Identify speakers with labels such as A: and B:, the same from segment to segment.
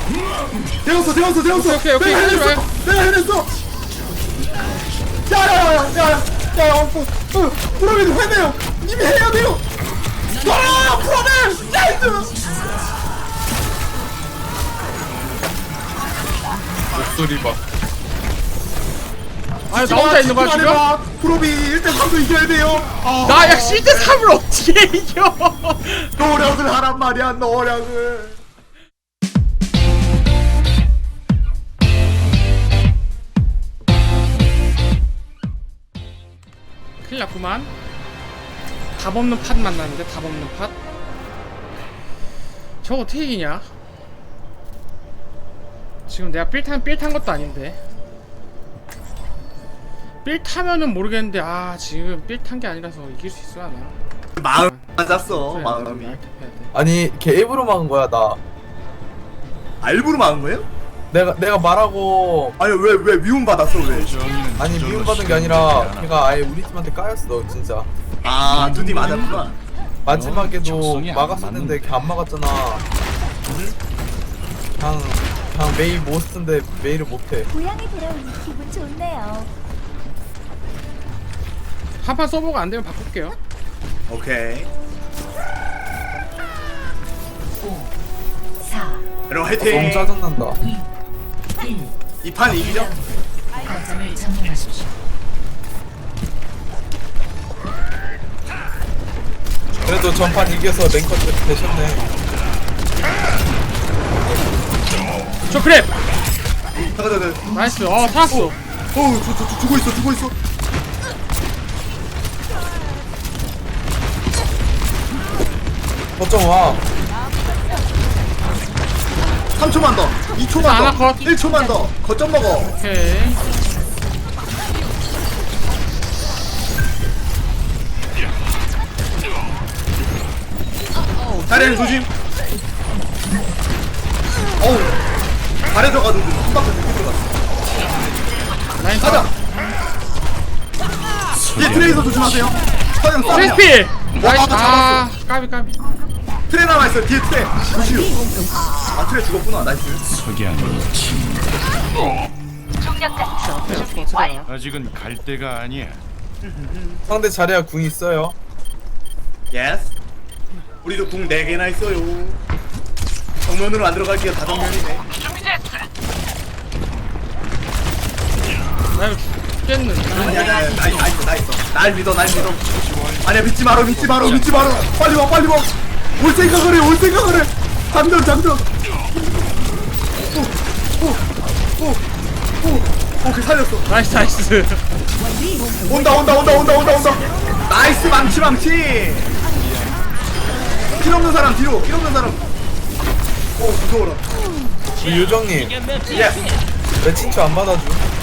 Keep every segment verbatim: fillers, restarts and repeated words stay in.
A: 되었어 되었어 되었어.
B: 오케이, 오케이,
A: 내가
B: 오케이,
A: 해냈어. 내가 해냈어. 야야야야야야야. 프로맨 해내요. 님이 해야 돼요. 와 프로맨 나이스.
C: 목소리 봐.
B: 아니 나 혼자 있는 거야 지금?
A: 프로비 일 대 삼도 이겨야 돼요. 아,
B: 나야 일 대 삼을 어떻게 이겨?
A: 노력을 하란 말이야 노력을.
B: 큰일 났구만. 답 없는 팟 만났는데 답 없는 팟? 저거 어떻게 이기냐? 지금 내가 삘 탄, 삘 탄 것도 아닌데 삘 타면은 모르겠는데 아 지금 삘 탄 게 아니라서 이길 수 있어 하나?
A: 마음 맞았어.
B: 그래,
A: 마음이.
B: 알 탭해야 돼.
C: 아니 걔 일부러 막은 거야 나.
A: 아, 일부러 막은 거예요?
C: 내가 내가 말하고
A: 아니 왜 왜 미움 받았어 왜?
C: 아니 미움 받은 게 아니라 걔가 아예 우리 팀한테 까였어 진짜.
A: 아 두 팀 맞았구나.
C: 마지막에도 막았었는데 걔 안 막았잖아. 그냥 그냥 메이 모스트인데 메이를 못해.
D: 고향에 돌아오니 기분 좋네요.
B: 한 판 써보고 안 되면 바꿀게요.
A: 오케이.
D: 사,
A: 여러분
C: 너무
A: 화이팅.
C: 짜증난다.
A: 이 판 이기죠?
D: 거점을 점령하십시오.
C: 그래도 전판 이겨서 랭커 되셨네.
B: 저 크랩!
A: 잠깐 잠깐.
B: 나이스. 어 살았어.
A: 어우 저, 저, 저, 죽어 있어 죽어 있어.
C: 거점 와.
A: 삼 초만 더. 이
B: 자,
A: 초만
B: 하나
A: 더.
B: 컷.
A: 일 초만 더. 거점 먹어.
B: 오케이.
A: 다리를 조심. 어우. 잘해줘가지고 한 바퀴 늦게 들어갔어.
B: 라인
A: 가자. 뒤에 트레이서 조심하세요. 서영 싸.
B: 트레스필! 나이스.
A: 잡았어.
B: 아 까비 까비.
A: 트레 남아있어. 뒤에 트레. 조심. 아 트레 죽었구나. 나이스.
E: 아직은 갈 때가 아니야.
C: 상대 자리야 궁 있어요.
A: 예스. 우리도 궁 네 개나 있어요. 정면으로 안 들어갈게요. 다 정면이네.
B: 나 이거 죽겠는데.
A: 아니 아니 아니 나, 나 있어 나 있어. 날 믿어 날 믿어. 아니야 믿지 마라 믿지 마라 믿지 마라. 빨리 와 빨리 와. 올 생각을 해 올 생각을 해. 장전 장전. 오오오오 오케이 살렸어.
B: 나이스 나이스.
A: 온다 온다 온다 온다 온다 온다. 나이스 망치 망치. 킬 없는 사람 뒤로 킬 없는 사람. 오 무서워라.
C: 우리 요정님
A: 예.
C: 내 친추 안 받아줘.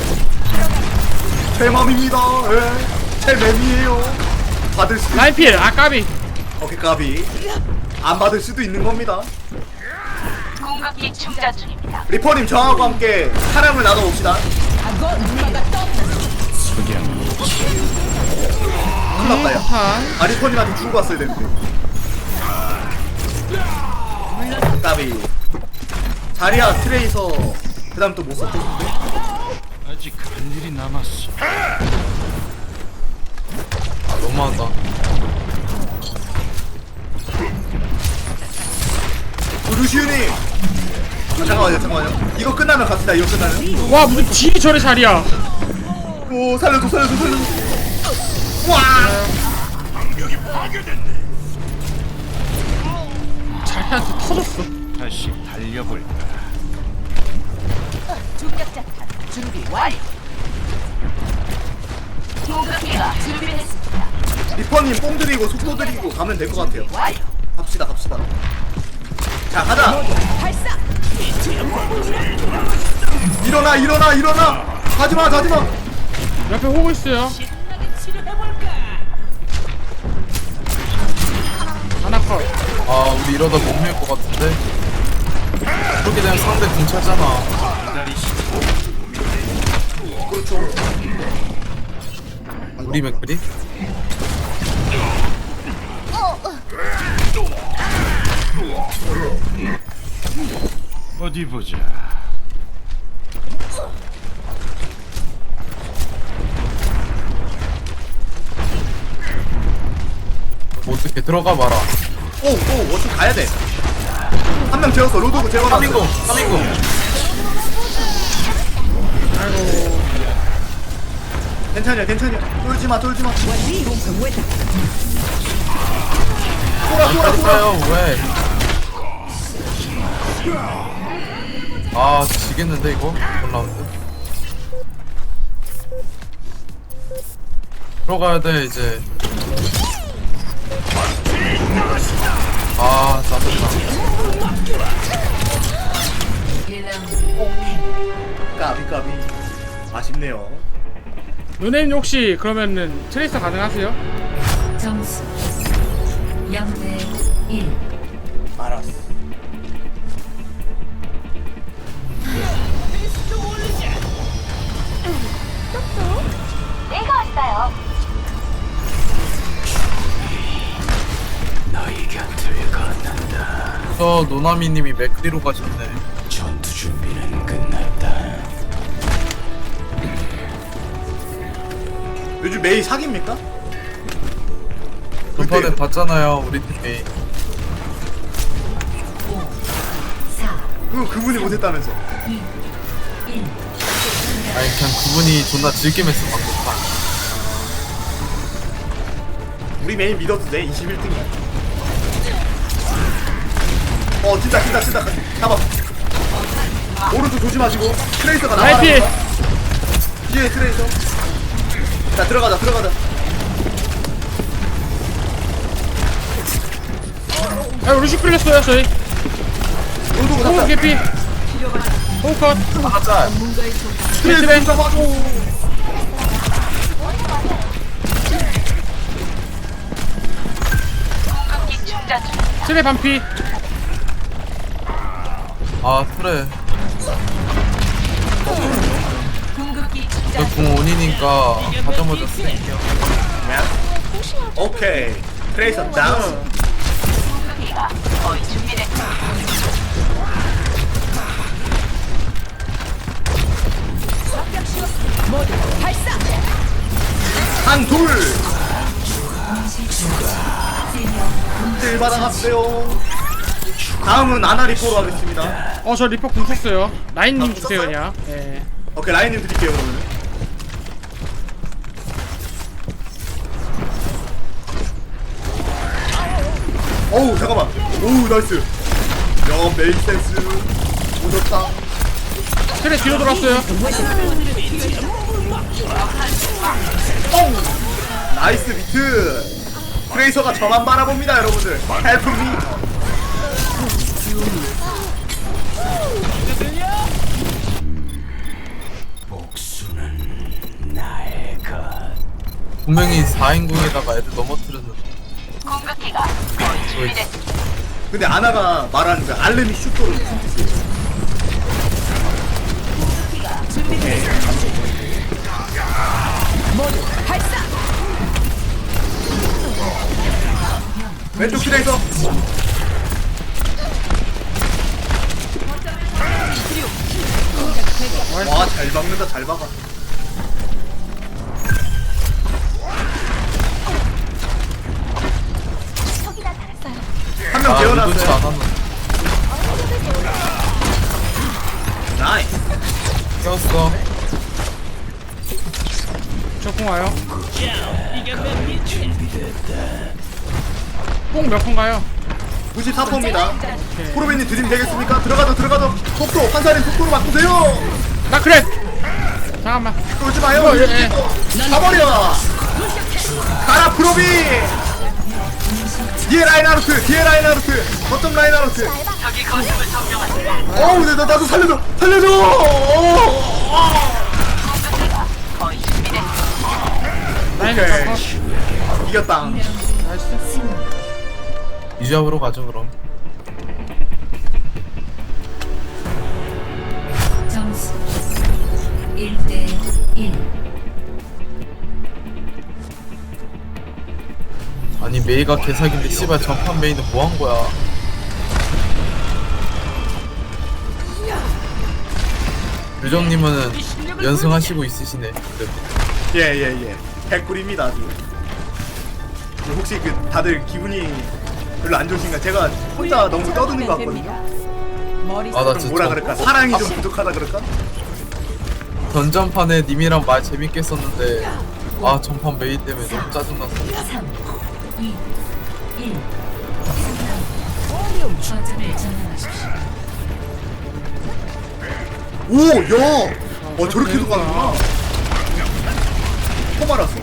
A: 제 맘입니다. 예. 제 맘이에요. 받을 수.
B: 라인필 아 까비.
A: 오케이 까비. 안 받을 수도 있는 겁니다.
F: 공격기 충전 중입니다.
A: 리퍼님 저하고 함께 사랑을 나눠봅시다. 큰일 났다 야.
B: 판.
A: 아 리퍼님한테 주고 왔어야 되는데. 까비. 자리야 트레이서 그 다음 또 못 썼겠는데?
E: 아직 할 일이 남았어.
C: 아 너무한다.
A: 루시우님. 아, 잠깐만요 잠깐만요. 이거 끝나면 갑시다. 이거 끝나면.
B: 와 무슨 딜이 저래 자리야.
A: 오 살려줘 살려줘 살려줘. 와.
B: 자리한테 터졌어.
E: 다시 달려볼까.
F: 중력자탄 준비 완료. 공격기가 준비됐습니다.
A: 리퍼님 뽕 들이고 속도 들이고 가면 될 것 같아요.
F: 완료.
A: 갑시다 갑시다. 자 가자. 일어나 일어나 일어나. 가지마 가지마.
B: 옆에 호구 있어요. 하나 컷.
C: 아 우리 이러다 못 밀 것 같은데. 그렇게 되면 상대 궁 차잖아.
A: 그렇죠.
C: 우리 맥크리?
E: 어디 보자.
C: 뭐 어떻게 들어가 봐라.
A: 오오 어떻게 가야 돼? 한 명 재웠어. 로드고 재워놨어.
C: 삼인공 삼인공.
B: 아이고.
A: 괜찮냐 괜찮냐. 쫄지 마 쫄지 마. 쏘라 쏘라 쏘라.
C: 있어요 왜? 아 지겠는데 이거 올라운드. 들어가야 돼 이제. 아 짜증나.
A: 까비 까비. 아쉽네요.
B: 누네님 혹시 그러면은 트레이서 가능하세요?
D: 점수 영 대 일.
A: 알았어.
F: 내가 왔어요.
E: 너희 곁을 걷는다.
C: 저 노나미님이 맥크리로 가셨네.
E: 전투 준비는 끝났다.
A: 요즘 메이 사깁니까?
C: 저번에
A: 그때-
C: 봤잖아요 우리 팀이.
D: 사,
A: 그 그분이 못했다면서.
D: 이, 일.
C: 아니 그냥 그분이 존나 즐김했어 방금.
A: 우리 메인 믿어도 돼. 이십일 등이야. 어 진짜 진짜 진짜 잡아. 오른쪽 조심하시고. 트레이서가 나와.
B: 나이피!
A: 뒤에 트레이서. 자 들어가자 들어가자.
B: 아 루시 끌렸어요 저희.
A: 로드고
B: 호우
A: 잡자.
B: 개피. 호우 컷.
C: 하나 짤.
A: 트레이서 잡아줘.
F: 공격기 충전 중입니다.
B: 트레 반피.
C: 아 그래.
F: 공격기 충전
C: 저궁 온이니까 가자마자 쓸게요.
A: 오케이. 트레이서 다운.
F: 공격기가 거의 준비됐습니다.
A: 한 둘. 들 받아갔어요. 다음은 아나리코로 하겠습니다.
B: 어 저 리퍼 궁 썼어요. 라인님 주세요 그냥. 예.
A: 오케이 라인님 드릴게요 그러면. 어우 잠깐만. 오우 나이스. 야 메이크 센스. 오졌다.
B: 트레 뒤로 돌았어요.
A: 뽕. 나이스 비트. 트레이서가 저만 바라봅니다 여러분들. 헬프 미.
E: 복수는 나의 것.
C: 분명히 사인궁에다가 애들 넘어뜨렸는데.
F: 공격기가 거의 준비됐습니다.
A: 근데 아나가 말하는 거 알레미 슈퍼는 무슨 뜻이에요? 왼쪽 트레이서. 와 잘 박는다 잘 박아.
D: 척이나 달았어요.
A: 한 명
C: 아 의도치
A: 재워놨어요.
C: 않았는데.
A: 나이스.
C: 꼈어.
B: 저 궁 와요. 뽕 몇 푼가요?
A: 구십사 퍼입니다. 프로벤님 드림 되겠습니까? 들어가자 들어가자. 속도 환살인 속도로 바꾸세요.
B: 나 그래. 잠깐만.
A: 쫄지 마요.
B: 이거, 예, 예.
A: 가버려. 가라 프로비. 뒤에 라인하르트 뒤에 라인하르트 어떤 라인하르트.
F: 저기 거점을 점령하세요.
A: 어우 나, 나 나도 살려줘 살려줘.
F: 공격기가 거의 준비됐습니다.
B: 라인
A: 오케이.
B: 리퍼 컷.
A: 이겼다.
B: 나이스.
C: 이 잡으러 가죠 그럼.
D: 점수 일 대 일.
C: 아니 메이가 개사기인데 씨발 전판 메이는 뭐 한 거야? 유정님은 연승하시고 있으시네. 그래도.
A: 예예예 개꿀입니다 아주. 그 혹시 그 다들 기분이 별로 안 좋으신가? 제가 혼자 너무 떠드는 것 같거든요.
C: 아, 나
A: 좀
C: 진짜
A: 뭐라 그럴까? 사랑이 좀 부족하다 그럴까?
C: 전전판에 님이랑 말 재밌게 했었는데 아 전판 메이 때문에 너무 짜증났어.
D: 삼, 이, 일. 거점을 점령하십시오.
A: 오! 야! 어 저렇게도 가는구나. 처음 알았어.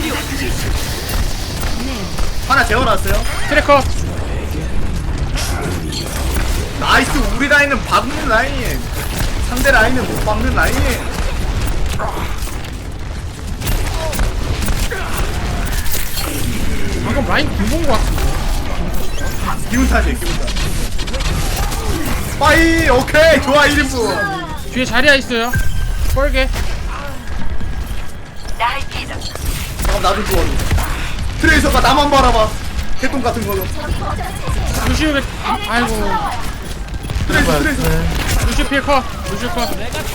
A: 하나 재워놨어요.
B: 트래커.
A: 나이스. 우리 라인은 박는 라인. 상대 라인은 못 박는 라인.
B: 방금 라인 김본 거 같은데.
A: 기운 탓이에요 기운 탓. 빠이 오케이 좋아 일 인분.
B: 뒤에 자리야 있어요. 뻘게.
F: 날 믿어.
A: 잠깐 나도 좋아. 트레이서가 나만 바라봐. 개똥 같은 거로.
B: 루시오 백. 아이고.
A: 트레이서 트레이서.
B: 루시오 피해 커. 루시오 커.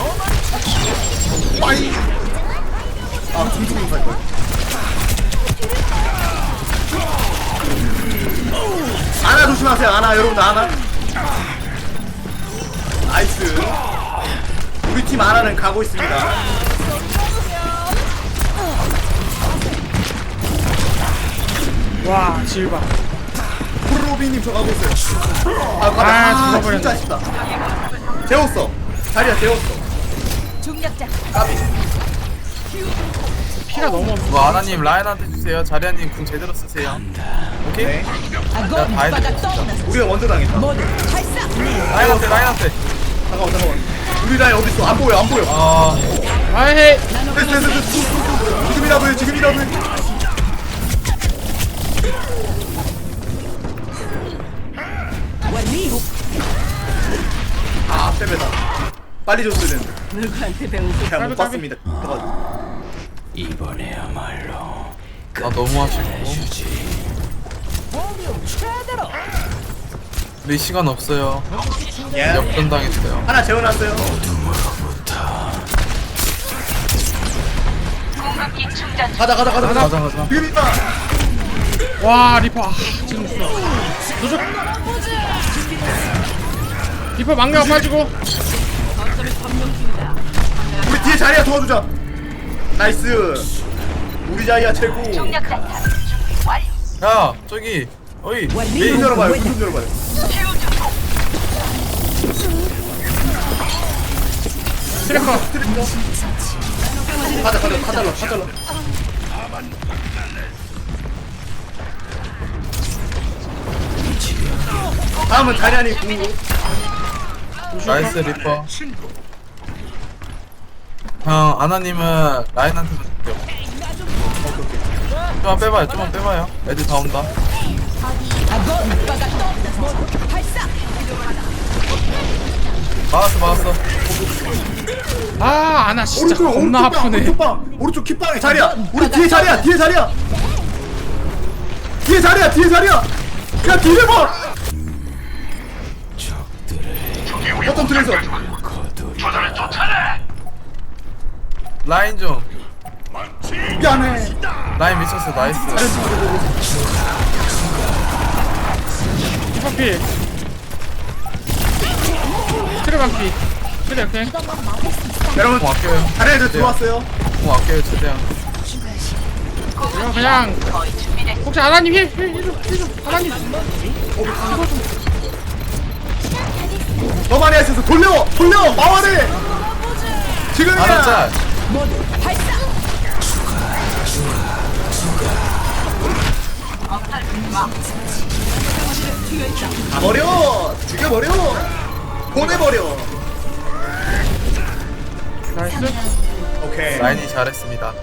A: 빠이. 아 중중중 갈 거야. 아나 조심하세요. 아나 여러분들 아나. 나이스. 우리 팀 아나는 가고 있습니다.
B: 와 질바.
A: 프로비님 저 가고 있어요. 아, 아,
B: 아,
A: 아 진짜 아쉽다. 재웠어. 자리야 재웠어. 까비.
B: 피가 너무 없어.
C: 뭐 아나님 라인한테 주세요. 자리아님 궁 제대로 쓰세요. 오케이?
A: 네.
C: 나 다 해드려 진짜.
A: 우리가 먼저 당했다.
C: 라인한테 라인한테.
A: 잠깐만 잠깐만. 우리 라인 어딨어? 안 보여 안 보여.
C: 아
B: 아이
A: 됐어 됐어 됐어. 지금이라도 해 지금이라도 해. 아 빼빼다. 빨리 줬어야 되는데. 누구한테 배운 그냥 못 봤습니다.
E: 이번에야말로
C: 나 너무 아쉽고. 우리 시간 없어요.
A: 예.
C: 역전 당했어요.
A: 하나 재워놨어요.
F: 공급기 충전 중.
A: 가자 가자 가자
C: 가자 가자.
A: 지금 있다.
B: 와 리퍼. 아, 지금 루시오. 리퍼 망령 빠지고.
A: 우리 뒤에 자리야 도와주자. 나이스. 우리 자리야 최고.
F: 중력 자탄 준비 완료.
C: 야 저기 어이
A: 문
C: 메이
A: 열어봐요. 문 열어봐요.
F: 치유 중.
B: 트래커.
A: 가자 가자 가달라 가달라. 다음은 자리안이 궁.
C: 나이스 리퍼. 형 아나님은 라인한테만 줄게요. 좀만 빼봐요 좀만 빼봐요. 애들 다 온다. 막았어 막았어.
B: 아 아나 진짜
A: 오른쪽
B: 겁나
A: 오른쪽 방,
B: 아프네.
A: 오른쪽 방 오른쪽 kit방에 자리야. 우리 뒤에 자리야 뒤에 자리야. 뒤에 자리야 뒤에 자리야. 야 뒤에 봐. 어떤 트레이서.
C: 라인 좀.
A: 미안해.
C: 라인 미쳤어 나이스.
B: 리퍼 피. 트래방 피. 트래 오케이.
A: 여러분
C: 공 아껴요.
A: 자리에서 들어왔어요.
C: 공 아껴요 최대한.
B: 이거 그냥
F: 거의 준비됐어.
B: 혹시 아나님 힐힐힐좀 아나님.
A: 너만이 할 수 있어. 돌려 돌려 마와를. 지금이야.
C: 아나 짤.
A: 가버려. 죽여버려. 보내버려.
B: 나이스.
A: 오케이.
C: 라인이 잘했습니다.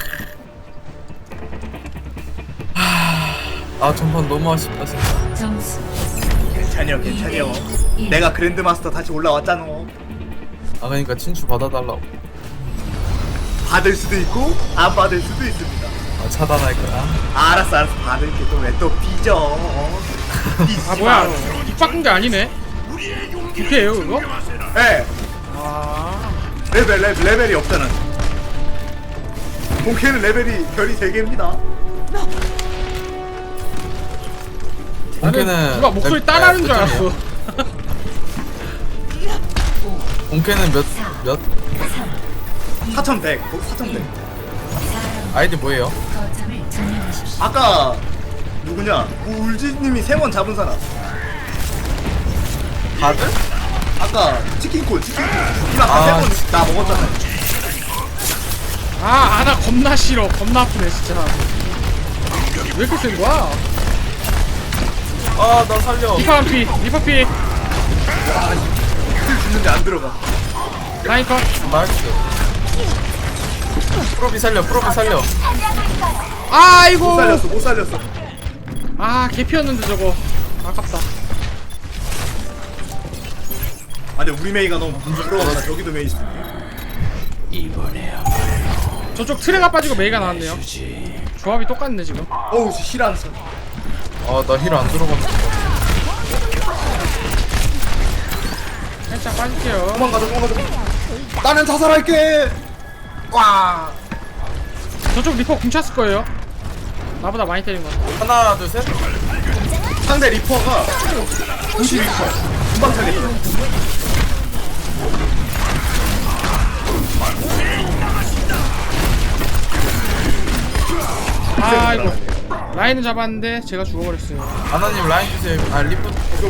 C: 아 전판 너무 아쉽다 진짜.
D: 점수
A: 괜찮여 괜찮여. 내가 그랜드마스터 다시 올라왔잖아.
C: 아 그러니까 친추 받아달라고.
A: 받을 수도 있고 안 받을 수도 있습니다.
C: 아 차단할 거야.
A: 아, 알았어 알았어 받을게. 또 왜 또 삐져. 어? 삐지지
B: 아 뭐야?
A: 마.
B: 입 바꾼 게 아니네. 부캐예요 그거?
A: 네.
B: 아.
A: 그래서 레벨, 레벨 레벨이 없잖아. 본캐는 레벨이 별이 세 개입니다.
C: 본캐는
B: 누가 목소리
C: 몇-
B: 따라하는
C: 몇
B: 줄 알았어.
C: 점이에요? 본캐는 몇 몇
A: 사천백, 사천백.
C: 아이디 뭐예요?
D: 거점을 점령하십시오.
A: 아까 누구냐? 울지님이 세 번 잡은 사람.
C: 다들?
A: 아까 치킨콜, 치킨콜. 이만
C: 아,
A: 아까 세번 나 먹었잖아.
B: 아, 아나 겁나 싫어. 겁나 아프네 진짜. 왜 이렇게 센 거야?
C: 아 나 살려.
B: 리파 한 피, 리파 피.
A: 킬 죽는데 안 들어가.
B: 라인 컷.
C: 나이스. 프로비 살려. 프로비 살려.
A: 못
B: 아이고.
A: 살렸어, 못 살렸어.
B: 아, 개피였는데 저거. 아깝다.
A: 아니 우리 메이가 너무 부끄러워서 저기도 메이 있어.
E: 이번에야말로
B: 저쪽 트레가 빠지고 메이가 나왔네요.
E: 주지.
B: 조합이 똑같네 지금.
A: 어우 실한서.
C: 아나 힐 안 들어갔어.
B: 살짝 빠질게요.
A: 도망가자, 도망가자. 나는 자살할게. 와.
B: 저쪽 리퍼 궁찼을 거예요. 나보다 많이 때린 거.
C: 하나 둘 셋.
A: 상대 리퍼가 구십이 퍼. 금방 살렸어.
B: 아이고. 라인은 잡았는데 제가 죽어버렸어요.
C: 아나님 라인 주세요. 아 리프.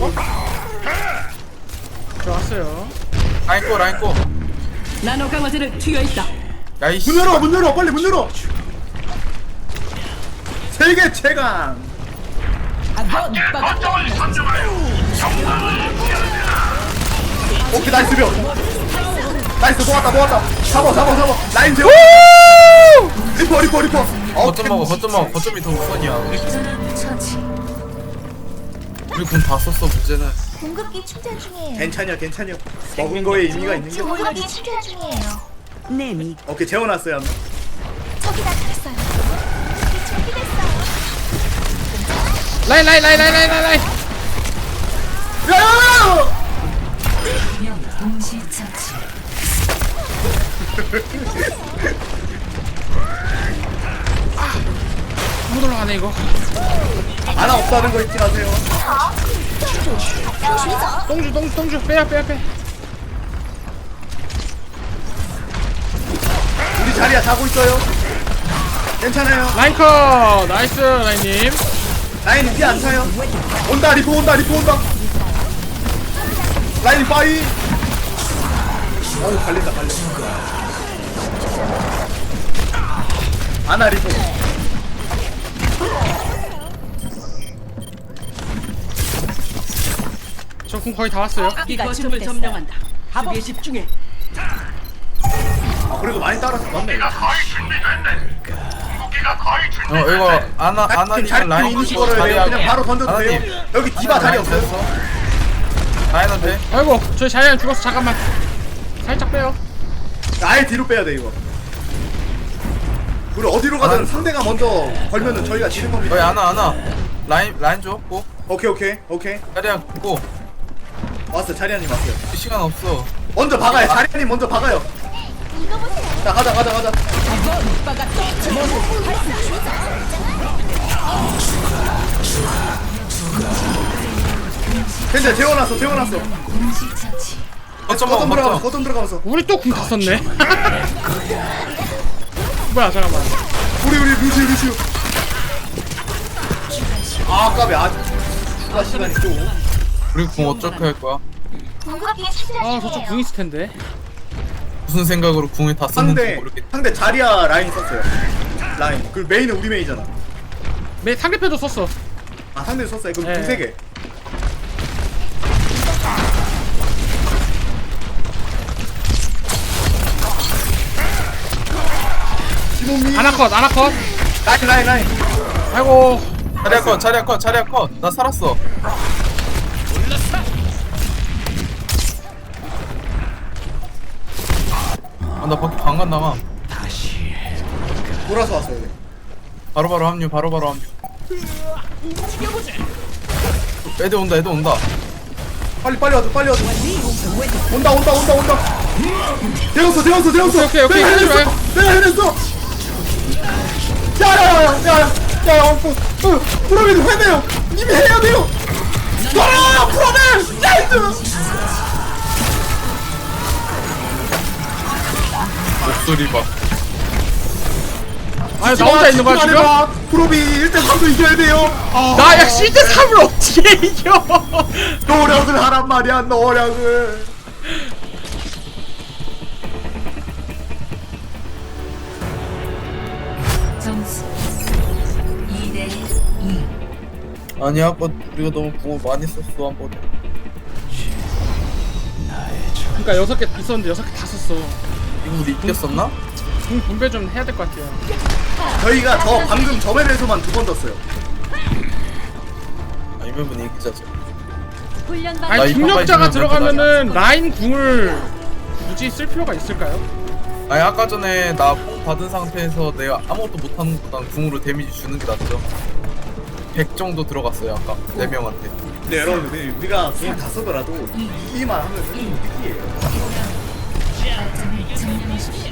B: 들어왔어요.
C: 라인 꼬 라인 꼬.
G: 나노 강화제를 투여 있다.
C: 야이씨.
A: 문 열어, 문 열어, 빨리 문 열어. 세계 최강. 오케이 나이스 명. 나이스 모았다 모았다. 잡아 잡아 잡아. 라인 세워. 리퍼 리퍼 리퍼.
C: 거점 먹어. 거점 먹어. 거점이 더 우선이야.
D: 전원 처치.
C: 우리 군 다 썼어. 문제는.
H: 공급기 충전 중이에요.
A: 괜찮여 괜찮여. 먹은 거에 의미가 있는 게.
H: 공급기 충전 중이에요.
G: 네미
A: 오케이 재워놨어요. 한번.
H: 저기 나타났어요. 공급기 준비됐어요.
B: 라인 라인 라인 라인 라인 라인.
A: 야!
D: 명 동시 처치.
B: 못 올라가네 이거.
A: 하나 없다는 거 잊지 마세요.
B: 똥주 똥주 똥주 빼야 빼야 빼.
A: 우리 자리야 자고 있어요. 괜찮아요.
B: 라인 컷. 나이스 라인님.
A: 라인 이제 안 차요. 온다 리포 온다 리포 온다. 라인 파이. 어우 갈린다 갈린다. 아나 리포.
B: 저 궁 거의 다 왔어요.
G: 이 거점을 점령한다. 수비에 집중해.
A: 아 그래도 많이 따라서 맞네.
C: 어 이거 아나
A: 지금
C: 아나님
A: 자리
C: 라인
A: 이니시
C: 주고
A: 걸어야 돼요.
C: 자리하고.
A: 그냥 바로 던져도 돼요.
C: 아나님.
A: 여기 디바 자리 없어요.
C: 됐어. 라인한테.
B: 아이고 저희 자리안 죽었어. 잠깐만. 살짝 빼요.
A: 아예 뒤로 빼야 돼 이거. 우리 어디로 가든
C: 아.
A: 상대가 먼저 걸면은 저희가 지는 겁니다.
C: 어이 아나 아나. 라인 라인 줘. 고.
A: 오케이 오케이 오케이.
C: 자리야 고.
A: 왔어 자리아님 왔어요.
C: 시간 없어.
A: 먼저 박아요. 자리아님 먼저 박아요.
H: 이거 보세요.
A: 자 가자 가자 가자. 괜찮아 재워놨어 재워놨어.
D: 동시 처치.
C: 거점
A: 거점
C: 먹어.
A: 들어가면서
C: 거점.
A: 거점 들어가면서.
B: 우리 또 궁 다 썼네. 뭐야 잠깐만.
A: 우리 우리 루시우 루시우. 아 까비 아 추가 시간이 좀.
C: 우리 궁 어떻게 할 거야?
H: 공급기 충전
B: 아 저쪽
H: 중이에요.
B: 궁 있을 텐데.
C: 무슨 생각으로 궁을 다 썼는지
A: 상대
C: 모르겠.
A: 상대 자리아 라인 썼어요. 라인. 그 메인은 우리 메인이잖아.
B: 매 상대편도 썼어.
A: 아 상대 썼어요. 그럼
B: 네.
A: 두세 개. 시모미.
B: 아나컷 아나컷.
A: 라인 라인 라인.
B: 아이고.
C: 자리야 컷. 자리야 컷. 자리야 컷. 나 살았어. 아, 나 밖에 방간 나가.
E: 다시
A: 돌아서 왔어요. 네.
C: 바로바로 합류. 바로바로 합류. 애들 온다. 애들 온다.
A: 빨리 빨리 와줘 빨리 와줘. 온다 온다 온다 온다. 되었어 되었어 되었어.
B: 오케이, 오케이,
A: 내가
B: 오케이,
A: 해냈어. 내가 해냈어. 야야야야야야 프로맨 해내요. 님이 해야 돼요. 와 프로맨 나이스.
C: 목소리 봐.
B: 아니 나 혼자 있는 거야 지금?
A: 프로비 일 대 삼도 이겨야 돼요. 아,
B: 나야 일 대 삼을 어떻게 이겨?
A: 노력을 하란 말이야 노력을.
D: 점수 이 대 이.
C: 아니 아까 우리가 너무 뭐 많이 썼어 한 번에.
B: 그러니까 여섯 개 있었는데 여섯 개 다 썼어.
C: 이거 우리 이겼었나?
B: 공 분배 좀 해야 될 것 같아요.
A: 저희가 저 방금 저맨에서만 두 번 졌어요.
C: 아니면 이기자죠.
H: 훈련받
B: 아니
C: 이거
B: 중력자가
C: 빨리
B: 들어가면은 라인 궁을 굳이 쓸 필요가 있을까요?
C: 아니 아까 전에 나 뽕 받은 상태에서 내가 아무것도 못하는 것보단 궁으로 데미지 주는 게 낫죠. 백 정도 들어갔어요 아까 네 명한테.
A: 네 여러분들 우리가 그냥 다 쓰더라도 이기만 하면은 이기예요.
D: 점을 점령하십시오.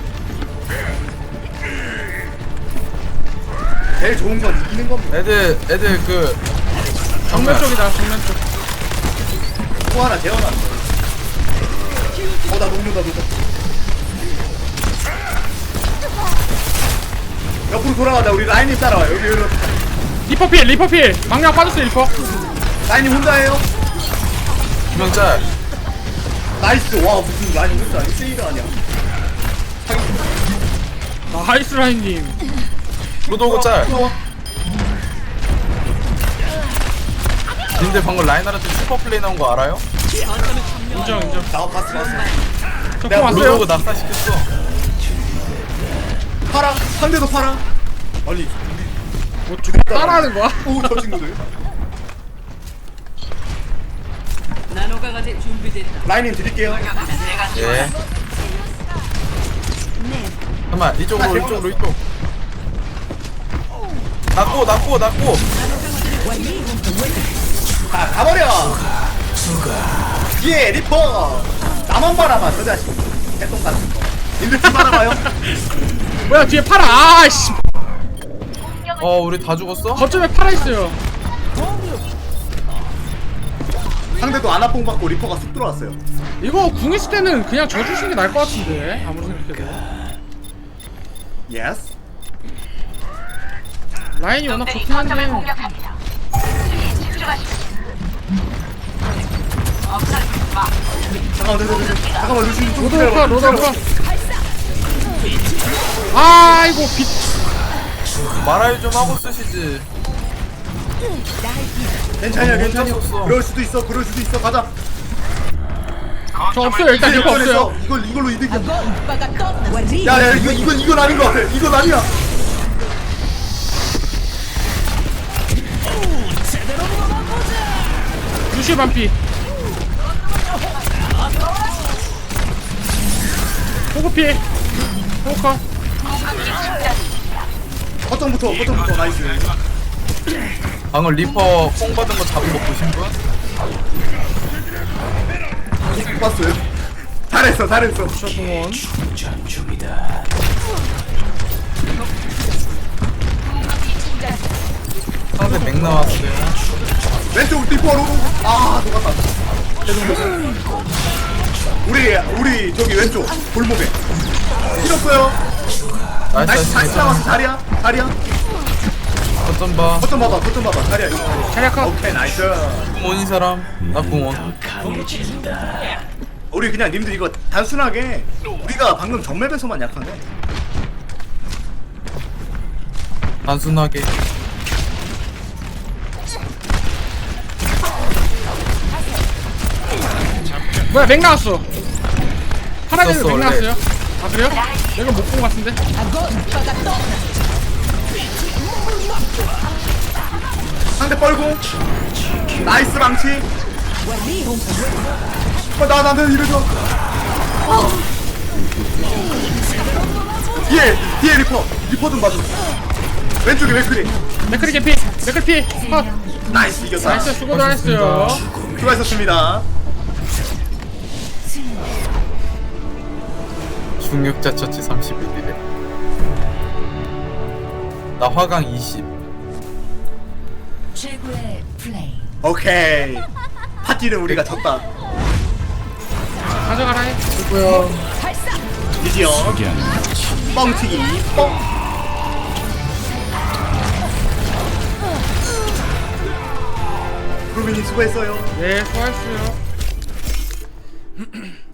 A: 제일 좋은 건 이기는 겁니다.
C: 애들 애들 그
B: 정면 쪽이다 정면 쪽.
A: 또 하나 재워놨어. 어나 녹는다 녹아. 옆으로 돌아가자. 우리 라인님 따라와. 여기 여기.
B: 리퍼 필 리퍼 필 망령 빠졌어 리퍼.
A: 라인님 혼자예요?
C: 김영짤.
A: 나이스. 와 무슨 라인님 혼자 아니 세이드 아니야.
B: 나이스 라인님.
C: 로도고 짤.
A: 어,
C: 근데 방금 라인하르트 슈퍼 플레이 나온 거 알아요?
B: 인정 인정.
A: 나 봤어 봤어.
B: 저공
A: 내가
B: 왔어요.
C: 로도고 낙사시켰어.
A: 파라. 상대도 파라. 아니
B: 뭐 좀 따라하는 거야?
A: 오저 친구들.
G: 나노 강화제 준비됐다.
A: 라인님 드릴게요.
C: 예. 잠깐만 이쪽으로 이쪽으로 이쪽. 낫고 낫고 낫고.
A: 자 가버려. 예 리퍼. 나만 바라봐 저 자식. 개똥 같은 거. 님들 좀 바라봐요.
B: 뭐야 뒤에 파라. 아씨.
C: 어 우리 다 죽었어?
B: 거점에 파라 있어요.
A: 상대도 아나뽕 받고 리퍼가 쑥 들어왔어요.
B: 이거 궁 있을 때는 그냥 저 주시는 게 나을 것 같은데 아무리 생각해도.
A: 예스.
B: 라인이 워낙
F: 놈들이
B: 좋긴
F: 거점을
B: 한데.
F: 공격합니다. 수비에 집중하십시오. 없어지지 마.
A: 잠깐만 잠깐만 잠깐만. 잠깐만 루시 좀
B: 로드오파
A: 기다려봐.
B: 로드오파. 아이고 빛.
C: 말아요 좀 하고 쓰시지.
A: 괜찮아 괜찮아.
C: 멈췄었어.
A: 그럴 수도 있어 그럴 수도 있어. 가자.
B: 저 없어요 일단 리퍼 없어요.
A: 이걸 이걸로 이득이야.
G: 오빠가 떴나?
A: 야야 이거 이건 이건 아닌 것 같아. 이건 아니야.
B: 루시 반피. 호그피. 호커.
A: 거점부터 거점부터 나이스.
C: 방금 리퍼 뽕 받은 거 잡은 거 보신 분?
A: 봤어요. 잘했어 잘했어.
B: 공원.
E: 충전 중이다.
C: 상대 맥 나왔어요.
A: 왼쪽 리퍼로. 아 녹았다. 우리 우리 저기 왼쪽 골목에 잃었어요.
C: 나이스
A: 다시 다시
C: 나이스.
A: 나와서 자리야 자리야.
C: 거점 봐.
A: 거점 봐봐 거점 봐봐 자리야.
B: 자리아카.
A: 오케이 나이스.
C: 궁원인 사람. 나 궁원.
E: 강해진다.
A: 우리 그냥 님들 이거 단순하게 우리가 방금 정맵에서만 약하네.
C: 단순하게.
B: 뭐야 맥 나왔어. 파라데는
C: 있었어,
B: 맥
C: 원래.
B: 나왔어요. 아 그래요? 내가 못 본 것 같은데.
A: 상대 뻘고 나이스 망치. 어, 나 나는 이러죠. 어. 뒤에 뒤에 리퍼 리퍼 좀 봐줘. 왼쪽에 맥크리.
B: 맥크리 개피. 맥크리 피. 컷.
A: 나이스 이겼다.
B: 나이스 수고들 하셨어요.
A: 수고하셨습니다.
C: 중력자 처치 삼십일 딜에 나 화강 이십.
D: 최고의 플레이.
A: 오케이. 파티는 우리가 졌다.
B: 가져가라 해.
C: 누구야?
A: 드디어 뻥튀기 뻥. 루빈이 수고했어요.
B: 네, 수고하셨어요.